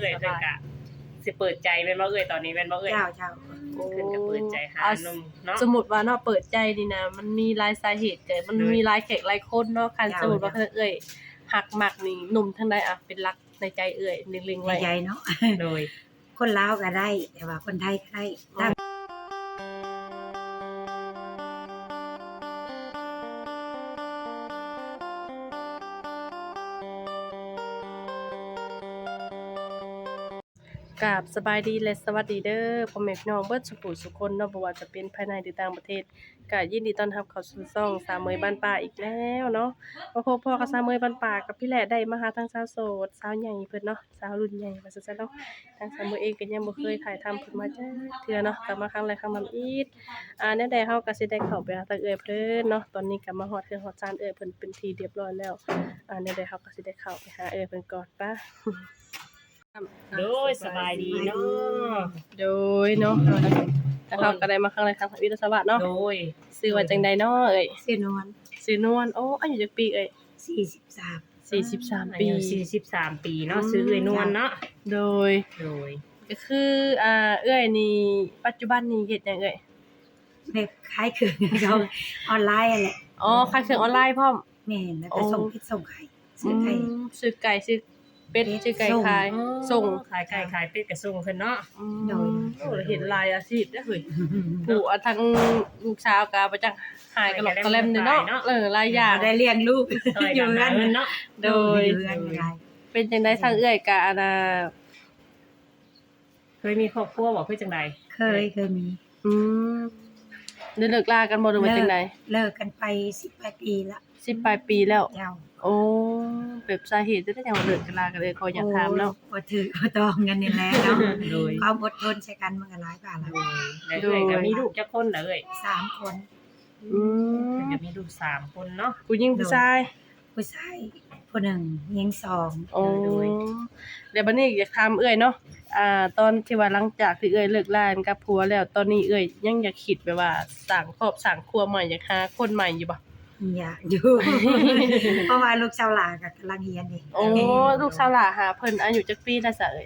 เอ้ยเพิ่นก็สิเปิดใจแม่นบ่เอ้ยตอนนี้แม่นบ่เอ้ยเจ้าเพิ่นก็เปิดใจหาหนุ่มเนาะสมมุติว่าเนาะเปิดใจนี่นะมันมีหลายสาเหตุมันมีหลายแขกหลายคนเนาะคันสมมุติว่าเอ้ยฮักมักนี่หนุ่มทางใดอะเป็นรักในใจเอ้ยเล็งๆไว้ใหญ่เนาะโดยคนลาวก็ได้แต่ว่าคนไทยก็ได้ถ้ากราบสบายดีและสวัสดีเด้อพ่อแม่พี่น้องเบิดสุขุสุคนเนาะบ่ว่าจะเป็นภายในหรือต่างประเทศก็ยินดีต้อนรับเข้าสู่ช่องสาวเมยบ้านป่าอีกแล้วเนาะมาพบพ่อกับสาวเมยบ้านป่ากับพี่แหละได้มาหาทั้งสาวโสดสาวใหญ่เพิ่นเนาะสาวรุ่นใหญ่ว่าซั่นๆเนาะทางสาวเมยเองก็ยังบ่เคยถ่ายทำเพิ่นมาจ้าเทื่อเนาะกลับมาครั้งแรกครั้งนำอีกแนวใดเฮาก็สิได้เข้าไปหาทางเอื้อยเพิ่นเนาะตอนนี้ก็มาฮอดเทื่อฮอดจานเอื้อยเพิ่นเป็นที่เรียบร้อยแล้วแนวใดเฮาก็สิได้เข้าไปหาเอื้อยเพิ่นก่อนปะโดยสบายดีเนาะโดยเนาะแล้วเขาก็ได้มาครั้งแรกครั้งวิทยาศาสตร์เนาะโดยซื้อว่าจังใดเนาะเอ้ยชื่อนวลซื้อนวลโอ้อายุจักปีเอ้ย 43 43 อาปียุ43ปีเนาะซื้อเอ้ยนวลเนาะโดยโดยก็คือเอ้ยนี่ปัจจุบันนี่เฮ็ดหยังเอ้ยแบบขายเครื่องเขาออนไลน์แหละอ๋อขายเครื่องออนไลน์พร้อมแม่นแล้วก็ส่งเพชรส่งไข่ซื้อไข่ซื้อไก่ซื้อเป็ดซื้อไก่ขายส่ส่งงขายไก่ขายเป็ดก็ส่งเพิ่นเนาะโดยโอ้เห็นหลายอาชีพเด้อเฮ้ยผู้ทั้งลูกสาวก็บ่จักหายกันหรอกกะแลมเนาะหลายอย่างได้เลี้ยงลูกซอยอกัยู่นกันเนาะโดยอยู่กันได้เป็นจังได๋ทางเอื้อยก็เคยมีครอบครัวบ่คือจังได๋เคยมีอืมได้เลิกลากันบ่หรือว่าจังได๋เลิกกันไป18ปีละ 10ปลายปีแล้วเจ้าโอ้แบบสาเหตุจะได้จังว่าเลิกกันลากันเลยเขาอยากถามเนาะบ่ถือบ่ต้องกันนี่แหละเนาะโดยความอดทนใช้กันมันก็หลายบาทละแล้วเอ้ยก็มีลูกจักคนเหรอเอ้ย 3คนอืมเพิ่นก็มีลูก3คนเนาะผู้หญิงผู้ชายผู้ชายผู้หนึ่งหญิงสองโอ้เดี๋ยวบัดนี้อยากถามเอ้ยเนาะตอนที่ว่าหลังจากที่เอ้ยเลิกลากันกับผัวแล้วตอนนี้เอ้ยยังอยากคิดแบบว่าสร้างครอบสร้างครัวใหม่อยากหาคนใหม่อยู่บ่อยากอยู่ เพราะว่าลูกชาวลาวก็กำลังเรียนนี่โอ้ลูกสาวหล่าหาเพิ่นอายุจักปีแล้วซะเอ้ย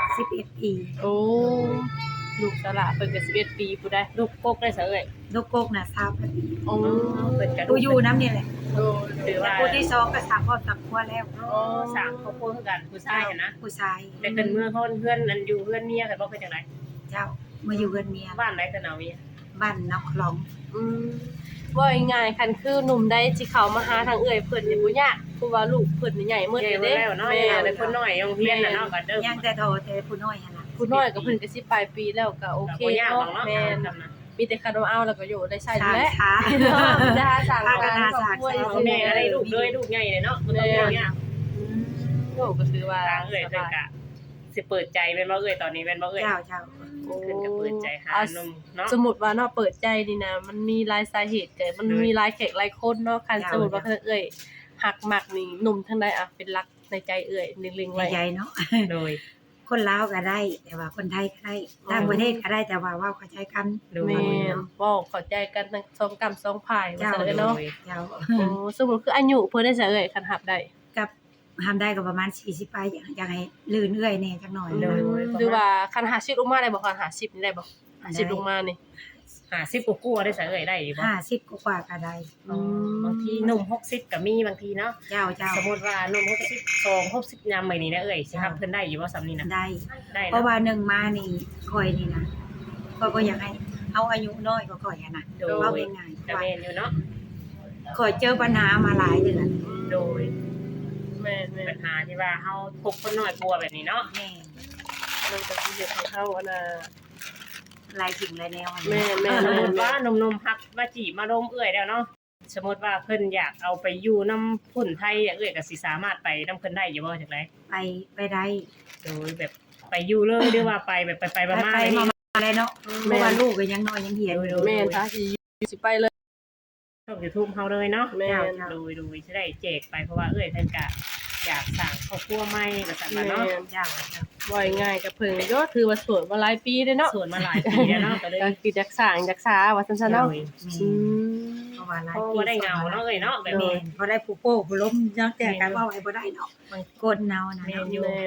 11ปีโอ้ลูกสาวหล่าเพิ่นก็11ปีผู้ใดลูกกกได้ซะเอ้ยลูกกกน่ะ20ปีโอ้เพิ่นก็ผู้อยู่น้ำนี่แหละโดยถือว่าผู้ที่สองก็สามครอบครัวแล้วสามครอบครัวคือกันผู้ชายหันนะผู้ชายแต่เพิ่นเมื่อเพื่อนนั่นอยู่เพื่อนเมียกันบ่คือจังได๋เจ้ามาอยู่กันเมียบ้านไหนเพิ่นเอาเมียบ้านนอกคลองอืมว่าง่ายๆคันคือหนุ่มใดที่เขามาหาทางเอื้อยเพิ่นนี่บ่ยากเพราะว่าลูกเพิ่นนี่ใหญ่หมดเด้เลยแล้วเนาะแม่แต่คนน้อยโรงเรียนน่ะเนาะก็เด้อยังแต่โทแต่ผู้น้อยหั่นน่ะผู้น้อยก็เพิ่นก็สิปลายปีแล้วก็โอเคบ่ยากหรอกเนาะเนาะแม่นมีแต่คันว่าเอาแล้วก็อยู่ได้ใช้สร้างแหละช้าได้สั่งพัฒนาครอบครัวสร้างสิแม่อะไรลูกเลยลูกใหญ่เลยเนาะบ่ต้องเลี้ยงโอ้ก็คือว่าทางเอ้ยเพิ่นก็สิเปิดใจแม่นบ่เอ้ยตอนนี้แม่นบ่เอ้ยเจ้าเจ้าเพิ่นก็เปิดใจหาหนุ่มเนาะสมมุติว่าเนาะเปิดใจนี่นะมันมีหลายสาเหตุมันมีหลายแขกหลายคนเนาะคันสมมุติว่าเอ้ยฮักมักนี่หนุ่มทางใดอะเป็นรักในใจเอ้ยเล็งๆไว้ใหญ่เนาะโดยคนลาวก็ได้ แต่ว่าคนไทยก็ได้ต่างประเทศก็ได้แต่ว่าเว้าเข้าใจกันโดยแม่นเว้าเข้าใจกันทั้งสองกรรมสองฝ่ายว่าเจ้าซั่นเลยเนาะเจ้าโอ้สมมุติคืออายุเพิ่นได้ซะเอ้ยคันรับได้กับทำได้ก็ประมาณ40ไปอยากให้ลื่นเอื้อยแน่จักหน่อยโดยหรือว่าคัน50ลงมาได้บ่คัน50นี่ได้บ่50ลงมานี่ 50กว่าได้ซะเอ้ยได้อยู่บ่ 50กว่าก็ได้บางทีหนุ่ม60ก็มีบางทีเนาะเจ้าเจ้าสมมุติว่าหนุ่ม62 60ยามมื้อนี้นะเอ้ยสิรับเพิ่นได้อยู่บ่ซำนี้นะได้ได้เพราะว่าหนึ่งมานี่คอยนี่นะข้อยก็อยากให้เอาอายุน้อยกว่าข่อยอะนะโดยเว้าง่ายๆก็ว่าแม่นอยู่เนาะข่อยเจอปัญหามาหลายเดือนโดยแม่นปัญหาที่ว่าเฮาพกคนน้อยกลัวแบบนี้เนาะแม่ๆมันก็สิเฮ็ดให้เฮาอันน่ะหลายสิ่งหลายแนวอะนะแม่แม่สมมุติว่าหนุ่มๆฮักมาจีบมาลมเอื้อยแล้วเนาะสมมุติว่าเพิ่นอยากเอาไปอยู่นำพุ่นไทยเอื้อยก็สิสามารถไปนำเพิ่นได้อยู่บ่จังได๋ไปได้โดยแบบไปอยู่เลยหรือว่าไปแบบไปๆมาๆไปนี่มาเลยเนาะเพราะว่าลูกก็ยังน้อยยังเหียนอยู่แม่นถ้าสิไปเลยช่อง YouTube เฮาเลยเนาะแม่นโดยสิได้แจกไปเพราะว่าเอื้อยเพิ่นก็อยากสร้างครอบครัวใหม่ว่าซั่นน่ะเนาะเจ้าว่าง่ายกับเพิ่นก็ถือว่าโสดมาหลายปีเลยเนาะส่วนมาหลายปีแล้วเนาะก็เลยก็คือจักสร้างจักษาว่าซั่นๆเนาะโดยอืมเพราะว่าหลายเพราะปีว่าได้เงาเนาะเอ้ยเนาะแบบแม่นี้นพอได้ผู้โป้ผู้ล้มยังแต่กันว่าไว้บ่ได้เนาะมันกดเนานะแม่เนาะนอยู่แม่น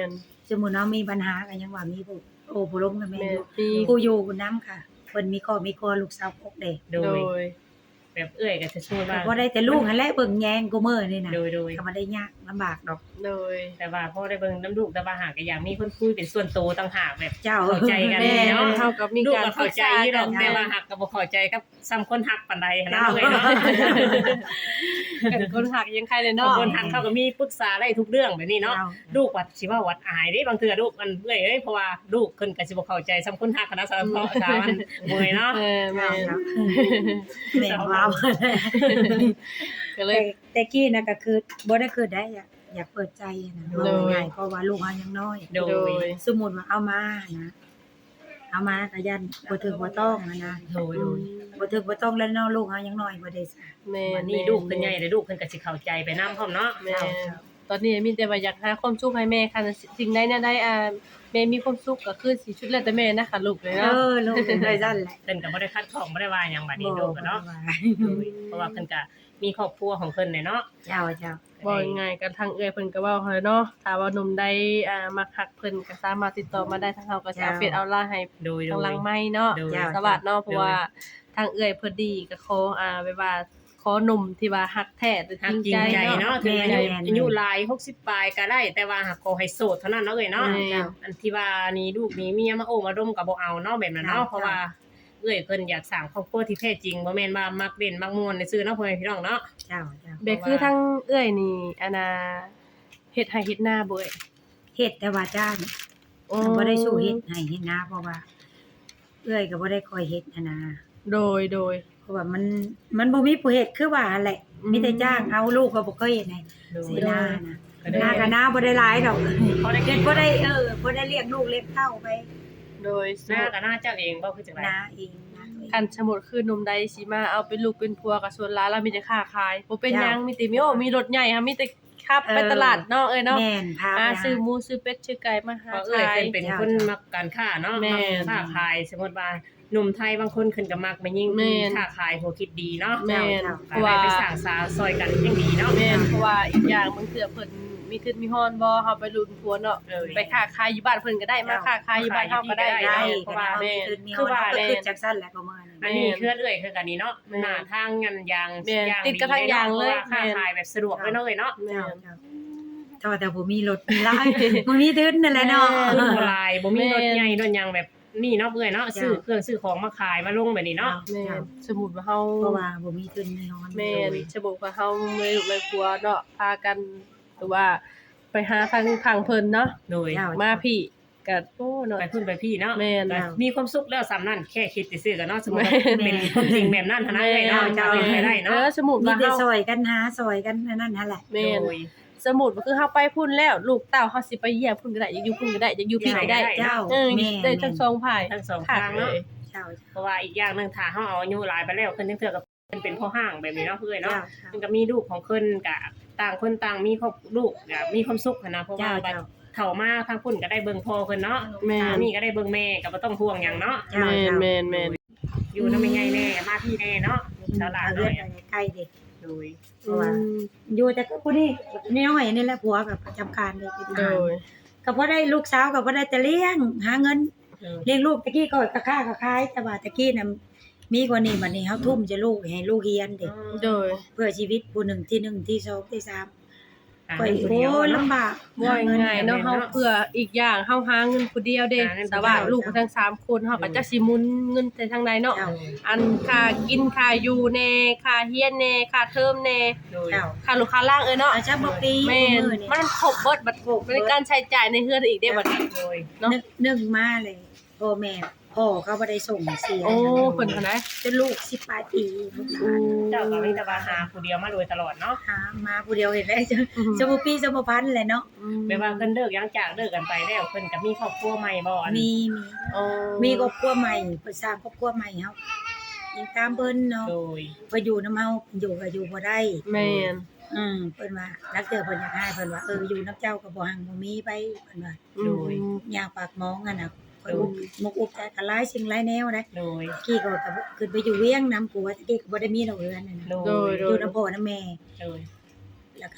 สมมุติเนาะมีปัญหาก็ยังว่ามีผู้ผู้ล้มกับแม่แม่อยู่มีผู้อยู่ผู้นํค่ะเพิ่นมีครอบมีครัวลูกสาวพกเด้โดโดยยแบบเอื้อยก็จะช่วยก็ว่าบ่ได้แต่ลูกนั่นแหละเบิ่งแยงกูมื้อนี่น่ะโดยก็บ่ได้ยากลำบากดอกโดยแต่ว่าพอได้เบิ่งน้ำลูกแต่ว่าหากก็อยากมีคนคุยเป็นส่วนตัวต่างหากแบบเจ้าเข้าใจกันแม่เนาะเฮากับมีลูกการก็เข้าใจอยู่ดอกแต่ว่าหักก็บ่เข้าใจกับซ้ำคนหักปานใดหั้นนะเอ้ยเนาะกันคนหักยังใครเลยบาเนาะงคนหักเขาก็มีปรึกษาได้ทุกเรื่องแบบนี้เนาะเจ้าลูกวัดสิว่าวัดอายเด้บางเทื่อลูกมันเอ้ยเพราะว่าลูกเพิ่นก็สิบ่เข้าใจซ้ำคนหักคณะสารพัดสามันเมื่อยเนาะแม่แม่ว้าวก็เลยแต่กี้น่ะก็คือบ่ได้คือได้อยากเปิดใจนะโดยง่ายๆเพราะว่าลูกเฮายังน้อยโดโดยยสมมุติว่าเอามานะเอามาก็ยันบ่ถึกบ่ต้องนะโดยบ่ถึกบ่ต้องแล้วเนาะลูกเฮายังน้อยบ่ได้ซะแม่วันนี้ลูกเพิ่นใหญ่แล้วลูกเพิ่นก็สิเข้าใจไปนำพร้อมเนาะแม่ตอนนี้มีแต่ว่าอยากหาความสุขให้แม่ค่ะสิ่งใดเนี่ยได้แม่มีความสุขก็คือสิชุดแล้วแต่แม่นะคะลูกเลยเนาะลูกเป็นได้ซั่นแหละเพิ่นก็บ่ได้คัดข้องบ่ได้ว่าหยังบัดนี้ลูกก็เนาะบ่เพราะว่าเพิ่นก็มีครอบครัวของเพิ่นเนาะเจ้าบ่ง่ายๆกันทางเอื้อยเพิ่นก็เว้าให้เนาะถ้าว่าหนุ่มใดมาคักเพิ่นก็สามารถติดต่อมาได้ทางเฮาก็สิเอาเฟซเอาไลน์ให้โดยทางหลังไม้เนาะโดยสวัสดีเนาะเพราะว่าทางเอื้อยเพิ่นดีก็ขอแบบว่าขอหนุ่มที่ว่าฮักแท้หรือฮักจริงจริงใจใจเนาะเนาะถึงอายุหลาย60ปลายก็ได้ แต่ว่าหากขอให้โสดเท่านั้นเนาะเอ้ยเนาะแม่อันที่ว่านี่ลูกนี่เมียมาโอ้มาดมก็บ่เอาเนาะแบบนั้นเนาะเพราะว่าเอ้ยเพิ่นอยากสร้างครอบครัวที่แท้จริงบ่แม่นว่ามักเล่นมักม่วนซื่อเนาะพ่อแม่พี่น้องเนาะเจ้าแบบคือทางเอื้อยนี่เฮ็ดให้เฮ็ดหน้าบ่เอ้ยเฮ็ดแต่ว่าจ้างบ่ได้สู้เฮ็ดให้เฮ็ดนาเพราะว่าเอื้อยก็บ่ได้คอยเฮ็ดนะโดยเพราะว่ามันบ่มีผู้เฮ็ดคือว่าแหละมีแต่จ้างเอาลูกก็บ่เคยเฮ็ดให้โดยสินานะก็ได้นาก็นาบ่ได้หลายดอกพอได้เฮ็เก็ดบบ่ได้บ่ได้เลี้ยงลูกเลี้ยงเต้าไปโดยหน้ากับหน้าเจ้าเองบ่คือจังได๋นาเองนะคันสมมุติคือหนุ่มใดสิมาเอาเป็นลูกเป็นผัวก็ส่วนหลายแล้วมีแต่ค้าขายบ่เป็นหยังมีแต่มีรถใหญ่ค่ะมีแต่ขับไปตลาดเนาะเอ้ยเนาะแม่นพาไปซื้อหมูซื้อเป็ดซื้อไก่มาหาเพราะเอ้ยขายเพิ่นเป็นคนมักการค้าเนาะแม่มักค้าขายสมมุติว่าหนุ่มไทยบางคนเพิ่นก็มักไปยิ่งแม่นค้าขายหัวคิดดีเนาะแม่นเพเพราะราะว่าว่าไปสร้างสาซอยกันยังดีเนาะแม่นเพราะว่าอีกอย่างบางเทื่อเพิ่นมีทึดมีฮ้อนบ่เฮาไปลุ้นผัวเนาะเออไปค้าขายอยู่บ้านเพิ่นก็ได้มาค้าขายอยู่บ้านเฮาก็ได้ได้ได้เพก็ราะได้ว่าแม่นคืคือ อว่าว่าแม่คือจังซั่นแหละประมาณนั้นอันนี้คือเอ้ยคือกันนี้เนาะแม่นหน้าทางงานยางแม่นยางติดกับทางยางเลยค้าขายแบบสะดวกเลยเนาะเอ้ยเนาะแม่นแต่บ่มีรถมีลายบ่มีทุนนั่นแหละเนาะขึ้นบ่หลายบ่มีรถแม่นใหญ่รถยางแบบนี่เนาะเอ้ยเนาะซื้อเครื่องซื้อของมาขายมาลงแบบนี้เนาะแม่นสมมุติว่าเฮาเพราะว่าบ่มีทุนมีฮ้อนแม่นสมมุติว่าเฮาไม่ลูกไม่ผัวเนาะพากันหรือว่าไปหาทางเพิ่นเนาะโดยมาพี่ก็โอ้เนาะไปพุ่นไปพี่เนาะแม่นก็มีความสุขแล้วสำนั้นแค่คิดซื่อๆกันเนาะสมมุติว่าแม่นเป็นความจริงแบบนั้นเท่านั้นเลยเนาะจะเป็นไปได้เนาะสมมุติมีว่าแต่เฮาซอยกันหาซอยกันนั่นแหละแม่นโดยสมมุติว่าคือเฮาไปพุ่นแล้วลูกเต้าเฮาสิไปเยี่ยมพุ่นก็ได้อยากอยู่พุ่นก็ได้อยากอยู่พี่ก็ได้เจ้าได้แม่ทั้งสองฝ่ายทั้งสองทางเนาะเจ้าเพราะว่าอีกอย่างหนึงถ้าเฮาเอาอายุหลายไปแล้วเพิ่นจังเทื่อก็เพิ่นเป็นพ่อห้างแบบนี้เนาะเพื่อนเนาะเจ้ามันก็มีลูกของเพิ่นก็ต่างคนต่างมีครอบลูกก็มีความสุขหั้นนะเพราะว่าเจ้าเข้ามาทางพุ่นก็ได้เบิ่งพ่อเพิ่นเนาะแม่นสามีก็ได้เบิ่งแม่ก็บ่ต้องห่วงหยังเนาะเจ้าแม่นอยู่นำแม่ใหญ่แน่มาพี่แน่เนาะตลาดเลืน้ออดยใกล้เด็กโดยเพราะว่าอยู่แต่ก็ผู้นี้น้อยนี่แหละผัวกับประจำการเลยโดยก็บ่ได้ลูกสาวก็บ่ได้แต่เลี้ยงหาเงินเออเลี้ยงลูกตะกี้ก็ค้าขายแต่ว่าตะกี้น่ะมีกว่านี้บัดนี้เฮาทุ่มจะลูกให้ลูกเรียนเด็กโดยเพื่อชีวิตผู้หนึ่งที่หนึ่งที่สองที่สามอ่าก็เงินผู้โอ้เดียวย เนาะลำบากบ่ง่ายเนาะเฮาเพื่ออีกอย่างเฮาหาเงินผู้เดียวเด้หาเงินผู้เดียวแต่ว่าลูกทั้งสามคนเฮาก็จักสิหมุนเงินไปทางใดเนาะเจ้าอันค่ากินค่าอยู่แน่ค่าเรียนแน่ค่าเทอมแน่โดยเจ้าค่าลูกค้าล่างเนาะอาจจะบ่ปีแม่นมื้อนี่มันครบเบิดบัดในการใช้จ่ายในเฮือนอีกได้บัดนี้โดยเนาะนึกมาเลยพ่อแม่พ่อเขาบ่ได้ส่งเสียโอ้เพิ่นเท่าไหร่จนลูก10ปลายปีเจ้าก็มีแต่ว่าหาผู้เดียวมาโดยตลอดเนาะหามาผู้เดียวเห็นแล้วจะบ่ปีจะบ่พันแหละเนาะแม่ว่าเพิ่นเลิกยังจากเลิกกันไปแล้วเพิ่นก็มีครอบครัวใหม่บ่อันมีโอ้มีครอบครัวใหม่เพิ่นสร้างครอบครัวใหม่เฮายังตามเพิ่นเนาะโดยเพิ่นอยู่นำเฮาอยู่ก็อยู่บ่ได้แม่นเพิ่นว่ารักเจอเพิ่นอยากให้เพิ่นว่าอยู่นำเจ้าก็บ่หังบ่มีไปเพิ่นว่าโดยย่างปากหมองอะน่ะข่อยมุกอุกใจก็หลายสิ่งหลายแนวนะโดยกี้ก็ขึ้นไปอยู่เวียงนำผัวตะกี้ก็บ่ได้มีดอกเรือนน่ะนะโดยอยู่นำพ่อนำแม่โดยแล้วก็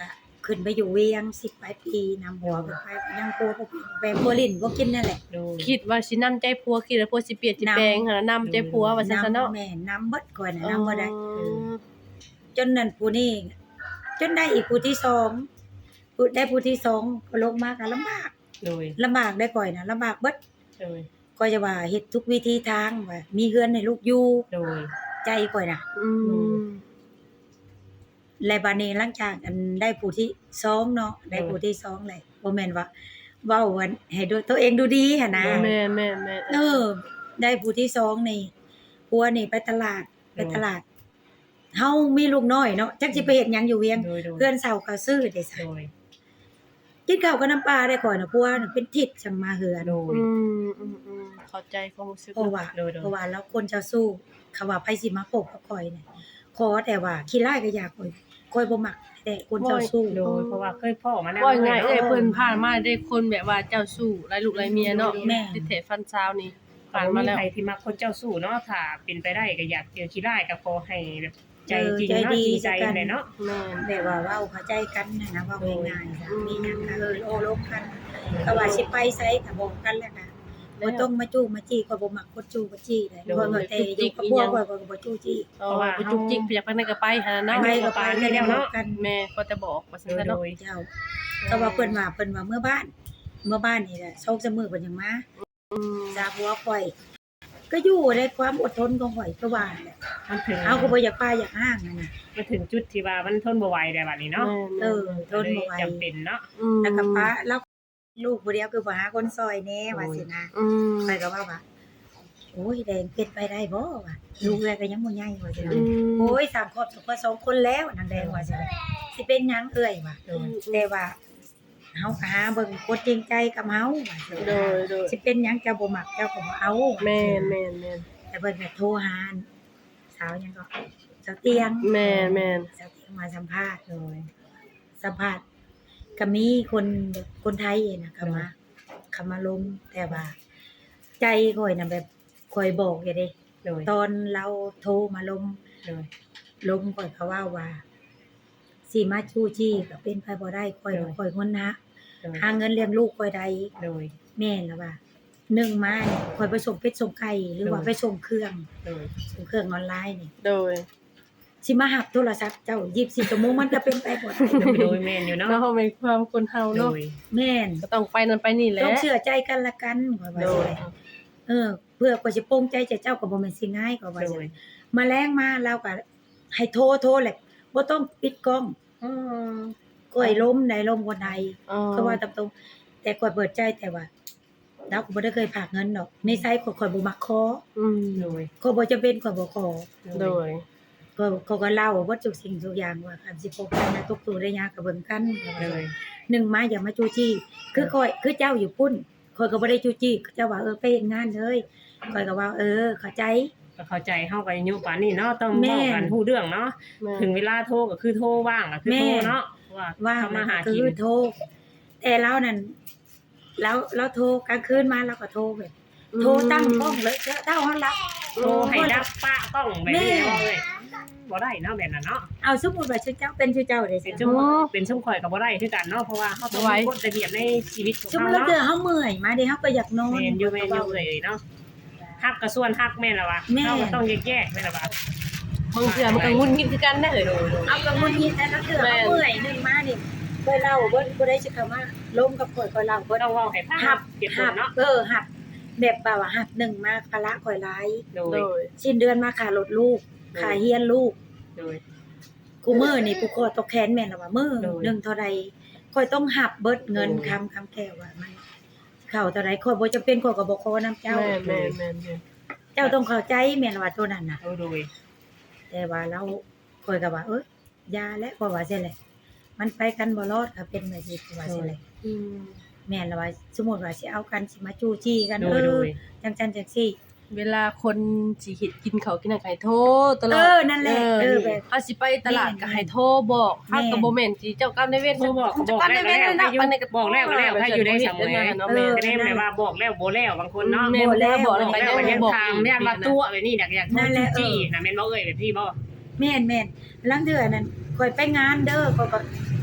ขึ้นไปอยู่เวียง10ปลายปีนำหัวไปยังโพบ่แปลงบ่ลิ้นบ่กินนั่นแหละโดยคิดว่าสินำใจผัวคิดว่าผัวสิเปลี่ยนสิแปลงหั่นน่ะนำใจผัวว่าซั่นซะเนาะแม่นำเบิดก่อนน่ะนำบ่ได้อืมจนนั่นผู้นี้จนได้อีกผู้ที่สองได้ผู้ที่สองก็ลงมาก็ลำบากโดยได้ก่อยน่ะลำบากเบิดโดยก็จะว่าเฮ็ดทุกวิธีทางว่ามีเฮือนให้ลูกอยู่โดยใจก่อยน่ะอืมและบัดนี้หลังจากอันได้ผู้ที่สองเนาะได้ผู้ที่สองเลยบ่แม่นว่าเว้าวันให้ดูตัวเองดูดีหั่นนะแม่นเออ ได้ผู้ที่สองนี่ผัวนี่ไปตลาดเฮามีลูกน้อยเนาะจักสิไปเฮ็ดหยังอยู่เวียงโดยเพื่อนเฒ่าก็ซื้อได้ซะโดยกินข้าวกับน้ำปลาได้ก่อนน่ะผัวน่ะเป็นทิศจังมาเฮือนโดยอืมเข้าใจความรู้สึกเพราะว่าโดยเพราะว่าแล้วคนเจ้าสู้เขาว่าไผสิมาพบกับข่อยเนี่ยขอแต่ว่าขี้ร้ายก็อยากข่อยบ่มักแต่คนเจ้าสู้โดยเพราะว่าเคยพ่อมาแล้วว่าง่ายเอ้ยเพิ่นผ่านมาได้คนแบบว่าเจ้าสู้หลายลูกหลายเมียเนาะแม่ที่เทฟันซาวนี่ผ่าผ่าน นมามาแล้แล้ว วใครที่มักคนเจ้าสู้เนาะถ้าเป็นไปได้ก็อยากเจอขี้ได้ก็ขอให้แบบใจจริงใจเนาะดีจริงใจกันเลยเนาะแม่นแบบว่าเว้าเข้าใจกันนะเว้าง่ายๆจ้ะมีหยังก็โอ้ลบกันก็ว่าสิไปไสก็บอกกันแล้วก็บ่ต้องมาจู้มาจี้ก็บ่มักคนจู้มาจี้ได้เพราะว่าแต่อยู่กับพวกข่อยก็บ่จู้จี้เพราะว่าไปจุกจิกไปอยากไปไหนก็ไปหั่นน่ะเนาะไปก็ไปแล้วเนาะกันแม่ก็จะบอกว่าซั่นโดซะยเนาะเจ้าก็ว่าเพิ่นว่าเมื่อบ้านนี่แหละ2-3มื้อเพิ่นยังมาอืมจาหัวข่อย ก็อยู่ในความอดทนของข่อยก็ว่าแหละมันถึงเอาก็บ่อยากป้าอยากห้างนั่นน่ะมันถึงจุดที่ว่ามันทนบ่ไหวแล้วบัดนี้เนาะเออทนบ่ไหวจำเป็นเนาะแล้วก็ป้าแล้วลูกผู้เดียวคือบ่หาคนซอยแน่ว่าสินะอืมข่อยก็ว่าโอ้ยแดงเป็นไปได้บ่ว่าลูกแลก็ยังบ่ใหญ่ว่าสินะอืมโอ้ย3ครอบสุขสองคนแล้วนางแดงว่าสินะสิเป็นหยังเอ่ยว่าโดยแต่ว่าเฮาก็หาเบิ่งคนจริงใจกับเฮาว่าสิโดยโดยสิเป็นหยังเจ้าบ่มักเจ้าก็บ่เอาแม่นแต่เพิ่นก็โทรหาสาวหยังก็สาวเตียงแม่นสาวเตียงมาสัมภาษณ์เลยสัมภาษณ์ก็มีคนไทยน่ะเข้ามาลงแต่ว่า ใจข่อยน่ะแบบข่อยบอกอยู่เด้โดยตอนเราโทรมาลงโดยข่อยก็ว่าสิมาชู้จี้ก็เป็นไปบ่ได้ข่อยก็ข่อยคนนะโดยหาเงินเลี้ยงลูกข่อยได้โดยแม่นล่ะว่า1มาเนี่ยข่อยไปส่งเป็ดส่งไก่หรือว่าไปส่งเครื่องโดยส่งเครื่องออนไลน์นี่โดยสิมาหับโทรศัพท์เจ้า24ชั่วโมงมันก็เป็นไปบ่ได้โดยแม่นอยู่เนาะเนาะเป็นความคนเฮาโดเนาะยแม่นก็ต้องไปนั่นไปนี่แหละต้องเชื่อใจกันละกันข่อยว่าโดสิยได้เพื่อข่อยสิโปร่งใจเจ้าก็บ่แม่นสิง่ายข่อยว่าโดสิยมาแลงมาเราก็ให้โทรแหละบ่ต้องปิดกล้องอืมก้อยล้มในลมคนใดอ๋อก็ว่าตามตรงแต่ข่อยเปิดใจแต่ว่าเราก็บ่ได้เคยฝากเงินดอกในไซต์ข่อยบ่มักขออืมโดยข่อยบ่จำเป็นข่อยบ่ขอโดยเขาก็เล่าว่าทุกสิ่งทุกอย่างว่าคันสิพบกันนะทุกตัวได้ยากกับเบิ่งกันโดยหนึ่งมาอย่ามาจู้จี้คือเจ้าอยู่พุ่นข่อยก็บ่ได้จู้จี้เจ้าว่าไปเฮ็ดงานเลยข่อยก็ว่าเข้าใจก็เข้าใจเฮาก็อายุป่านนี้เนาะต้องแม่บอกกันฮู้เรื่องเนาะแม่ถึงเวลาโทรก็คือโทรว่างก็คือโทรเนาะว่าว่าทำมาหาคืกินอโทรแต่เรานั่นเราโทรกลางคืนมาเราก็โทรแบบโทรตั้งกล้องเลยเท่าเฮารับโทรให้ดับปะกล้องแบบนี้เนาะเลยบ่ได้เนาะแบบนั้นเนาะเอาสมมุติว่าชื่อเจ้าเป็นชื่อเจ้าได้เป็นสิช่วงเป็นช่วงข่อยก็บ่ได้คือกันเนาะเพราะว่าเฮาต้องมีกฎระเบียบในชีวิตของสมมุเฮาติแล้วเนาะเดือเฮาเมื่อยมาเด้เฮาก็อยากนอนแม่นอยู่เลยเนาะฮักก็ส่วนฮักแม่นล่ะว่าแม่นเฮาก็ต้องแยกๆแม่นล่ะว่าบางเทื่อมันก็งุนงิดคือกันได้เด้อเอากับมุนยินแต่ละเดือเฮาเมื่อยนึงมานี่เคยเล่าบ่ได้สิคำว่าล้มกับข่อยเล่าบ่ต้องเว้าให้ฟังหับเก็บผหัลบเนาะหับแบบว่าหับหนึ่งมาภาระข่อยหลายโดโดยยสิ้นเดือนมาค่ารถลูกค่าเฮียนลูกโดยกูมื้อนี่กูขอตกแขนแม่นล่ะว่ามื้อโดยหนึงเท่าใดข่อยต้องหับเบิดเงินโดยคำแก้วว่ามันเข้าเท่าใดข่อยบ่จำเป็นข่อยก็บ่ขอนํเจ้าแม่นเจ้าต้องเข้าใจแม่นล่ะว่าตัวนั้นน่ะโดยแต่ว่าเราข่อยก็ว่าอย่าแล้วข่อยว่าซี่แหละมันไปกันบ่รอดค่ะเป็นแบบนี้ข่อยว่าซี่แหละอืมแม่นล่ะว่าสมมุติว่าสิเอากันสิมาจู้จี้กันโดยโดยจังซั่นจังซี่เวลาคนสิเฮ็ดกินข้าวกินอาหารโทรตลอดนั่นแหละแบบเฮาสิไปตลาดก็ให้โทรบอกเฮาก็บ่แม่นสิเจ้ากรรมนายเวรโทรบอกก็บอกแล้วบอกแล้วให้อยู่ได้สมัยเนาะแม่แม่ก็ได้แม่ว่าบอกแล้วบ่แล้วบางคนเนาะแม่บ่ได้บอกแล้วบอกก็แล้วยังก็ยังบอกถามย่านว่าตัวแบบนี้อยากโทรจี้น่ะแม่นบ่เอ้ยแบบพี่บ่แม่นลังเทื่อนั้นข่อยไปงานเด้อข่อยก็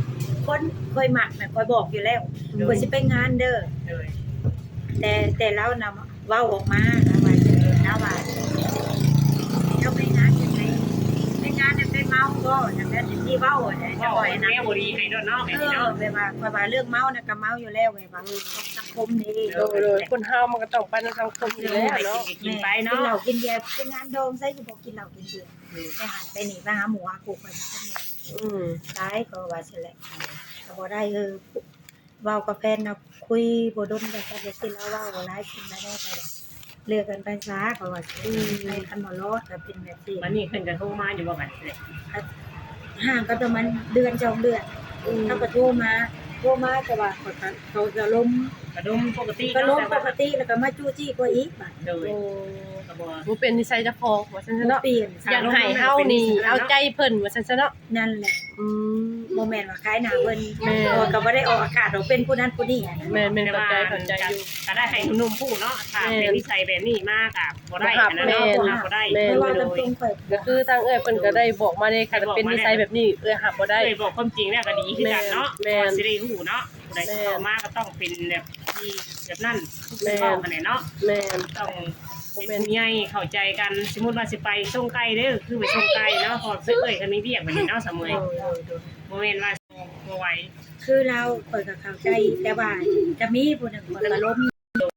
คนเคยมักน่ะคอยบอกอยู่แล้วโดยคอยสิไปงานเด้อโดยแต่แล้วนำเว้าออกมานะว่าจะนะว่าเจ้าไปงานจังได๋ไปงานน่ะไปเมาบ่จังนั้นที่เว้าอะจะเว้าบ่อยให้นะแม่บ่ดีให้ด้วยเนาะแบบนี้เนาะแบบว่าข้อยว่าเรื่องเมาน่ะก็เมาอยู่แล้วไงว่าสังคมนี่โดยคนเฮามันก็ต้องไปในสังคมอยู่แล้วเนาะกินไปกินเนาะเหล้ากินเบียร์ไปงานดองใส่สิบ่กินเหล้ากินเบียร์ไปหันไปนี่ไปหาหมูหากูไปคนเนี่ยอืมตายก็ว่าสิแหละก็บ่ได้เว้ากับแฟนนะคุยบ่ดนกันก็สิแล้วเว้าหลายสิ่งหลายแน่ก็ว่าเลือกกันไปซะก็ว่าสิไปคันบ่รอดก็เป็นแบบนี้วันนี้เพิ่นก็โทรมาอยู่ว่าบัดนี้ห่างกันประมาณเดือน2เดือนเขาก็โทรมาแต่ว่าเขาจะล้มกระดมปกติก็ล้มแต่ปว่ากติแล้วก็มาจู้จี้กว่าอีกบัดโดยโอ้ก็บ่บ่เป็นนิสัยเจ้าของว่าซั่นซะเนาะเนาะเปลี่ยนอยากให้เฮานี่เอาใจเพิ่นว่าซั่นซะเนาะนั่นแหละอืมโมเมนต์ว่าคล้ายหน้าเพิ่นแม่ก็บ่ได้ออกอากาศดอกเป็นผู้นั้นผู้นี้อะนะแม่นๆแต่เข้าว่าใจอยู่ก็ได้ให้หนุ่มผู้เนาะถ้าเป็นนิสัยแบบนี้มากอ่ะบ่ได้อันนั้นแม่เนาะนบ่ได้แม่ไม่นว่าโดกันยตรงข่อยก็คือทางเอ้ยเพิ่นก็ได้บอกมาเลยค่ะถ้าเป็นนิสัยแบบนี้หับบ่ได้เคยบอกความจริงแล้วก็ดีคือกันเนาะแม่นสิได้รู้เนาะผู้ใดเข้ามาก็ต้องเป็นแบบที่แบบนั้นทุกเว้ากันเนาะแม่นต้องเป็นใหญ่เข้าใจกันสมมุติว่าสิไปส่งไก่เด้อคือไปส่งไก่เนาะพอซื้อเอ้ยก็มีเวียกบัดนี้เนาะสมมุติบ่แม่นว่าบ่ไหวคือเราข่อยก็เข้าใจแต่ว่าจะมีผู้หนึงข่อยก็ล้ม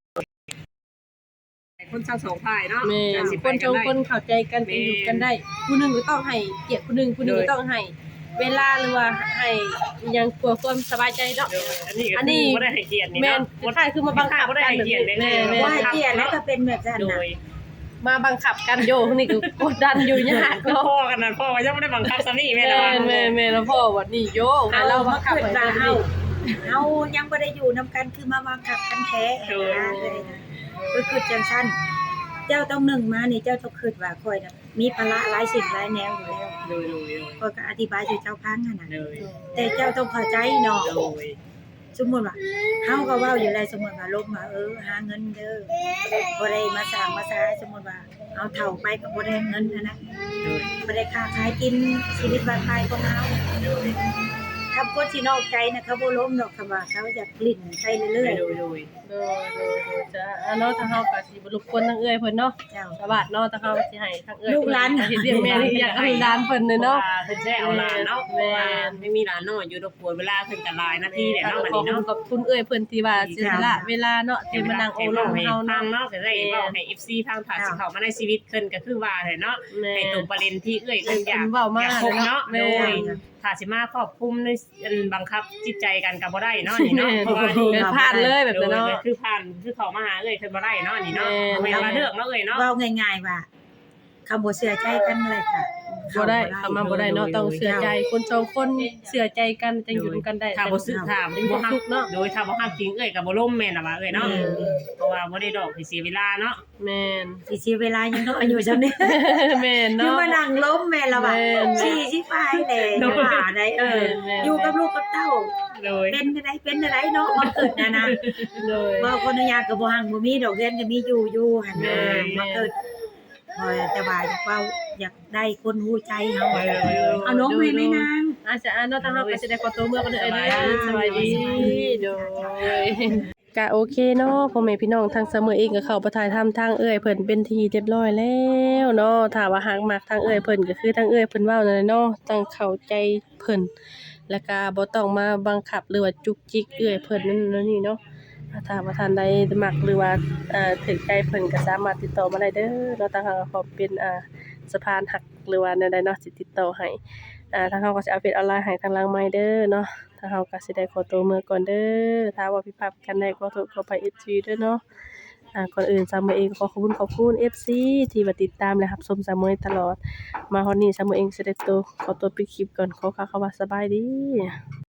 คนทั้งสองฝ่ายเนาะแม่นคนสองคนเข้าใจกันเป็นอยู่กันได้ ผู้หนึงก็ต้องให้เกียรติผู้หนึงผู้หนึงก็ต้องให้เวลาหรือว่าให้อิหยังเพื่อความสบายใจเนาะอันนี้บ่ได้ให้เกียรตินี่แม่นเนาะคล้ายๆคือมาบังคับบ่ได้กันให้เกียรติเลยแม่ว่าให้เกียรติแล้วก็เป็นแบบนั้นโดน่ะยมาบังคับกันโยนี่ก็กดดันอยู่ยากก็เนาะพ่อกันนั่นพ่อยังไม่ได้บังคับซะนี่แม่แม่ละแม่แล้วพ่อว่านี่โยให้เราบังคับเกิดให้ว่าเฮาเฮายังบ่ได้อยู่นํกันคือมาบังคับกันแท้เลยนะคือจังซั่นเจ้าต้องหนึ่งมานี่เจ้าต้องคิดว่าข่อยน่ะมีภาระหลายสิ่งหลายแนวอยู่แล้วโดยข่อยก็อธิบายให้เจ้าฟังหั่นน่ะโดยแต่เจ้าต้องเข้าใจเนาะโดยสมมุติว่าเฮาก็เว้าอยู่แล้วสมมุติว่าลบมาหาเงินเด้อบ่ได้มาสร้างมาสาสมมุติว่าเอาเฒ่าไปก็บ่ได้เงินอันนั้นโดยบ่ได้ค้าขายกินชีวิตบ้านปลายของเฮาถ้าคนที่นอกใจนะเขาบ่ล้มดอกคำว่าเขาอยากลิ้นไปเรื่อยโดยโดยจ้ะเนาะทางเฮาก็สิบ่รบกวนทางเอื้อยเพิ่นเนาะๆเจ้าสวัสดีเนาะทางเฮาสิให้ทางเอื้อยลูกหลานเฮ็ดเรียกแม่นี่อยากให้หลานเพิ่นเลยเนาะเพิ่นแจ้เอาหลานเนาะไม่มีหลานน้อยอยู่รบกวนเวลาเพิ่นก็หลายนาทีแหละเนาะบัดขอนี้บคุณเนาะกับคุณเอื้อยเพิ่นที่ว่าเสียสละเวลาเนาะที่มานั่งโอ้ลมเฮาฟัเนาะงเนาะก็ได้เว้าให้ FC ฟังผ่านสิเข้ามาในชีวิตเพิ่นก็คือว่าแหละเนาะแม่ให้ตรงประเด็นที่เอ้ยเพิ่นอยากเว้ามาอยากพบเนาะแม่โดยถ้าสิมาครอบคลุมในบังคับจิตใจกันก็บ่ได้เนาะนี่เนาะเพราะว่าเกิดพลาดเลยแบบนั้นเนาะคือผ่านคือเขามาหาเอ้ยเพิ่นบ่ได้เนาะนี่เนาะแม่บ่แม่นว่าเลือกเนาะเอ้ยเนาะเว้าง่ายๆว่าคำบ่เชื่อใจกันเลยค่ะบ่ได้คำมาบ่ได้เนาะต้องเชื่อใจคนสองคนเชื่อใจกันจังอยู่ด้วยกันได้ถ้าบ่ซื้อถามเป็นบ่ความฮักสุขเนาะโดยถ้าบ่ฮักจริงเอ้ยก็บ่ล่มแม่นล่ะว่าเอ้ยเนาะเพราะว่าบ่ได้ดอกสิเสียเวลาเนาะแม่นสิเสียเวลายังน้อยอยู่จังนี้แม่นอยู่เนาะมานั่งล้มแม่ละว่าแม่นชี้สิไปแหละจะว่าได้แม่นอยู่กับลูกกับเต้าโดยเป็นอะไรเนาะมันเกิดนะเลยว่าคนอนุญาตก็บ่หังบ่มีดอกเรียนก็มีอยู่หั่นน่ะมันเกิดพอแต่ว่าอยากได้คนฮู้ใจเฮาเอาน้องแม่แม่นางอาจจะเนาะทางเฮาก็สิได้ขอตัวเมื่อกันเด้อเด้อสบายดีโดยก็โอเคเนาะพ่อแม่พี่น้องทางเสมอเองก็เข้าไปถ่ายทำทางเอื้อยเพิ่นเป็นที่เรียบร้อยแล้วเนาะถ้าว่าหากมักทางเอื้อยเพิ่นก็คือทางเอื้อยเพิ่นเว้านั่นแหละเนาะต้องเข้าใจเพิ่นแล้วก็บ่ต้องมาบังคับหรือว่าจุกจิกเอื้อยเพิ่นนั่นนี่เนาะถ้าว่าท่านใดมักหรือว่าถูกใจเพิ่นก็สามารถติดต่อมาได้เด้อเนาะทางเฮาก็ขอเป็นสะพานหักหรือว่าแนวใดเนาะสิติดต่อให้ทางเฮาก็สิอัปเดตออนไลน์ให้ทางหลังไมค์เด้อเนาะทางเฮาก็สิได้ขอตัวเมื่อก่อนเด้อถ้าว่าผิดพลาดกันได้ขอโทษขออภัย FC เด้อเนาะก่อนอื่นซามือเองขอขอบคุณ FC ที่มาติดตามและรับชมซามือตลอดมาฮอดนี้ซามือเองสิได้ขอตัวปิดคลิปก่อนขอกล่าวคำว่าสบายดี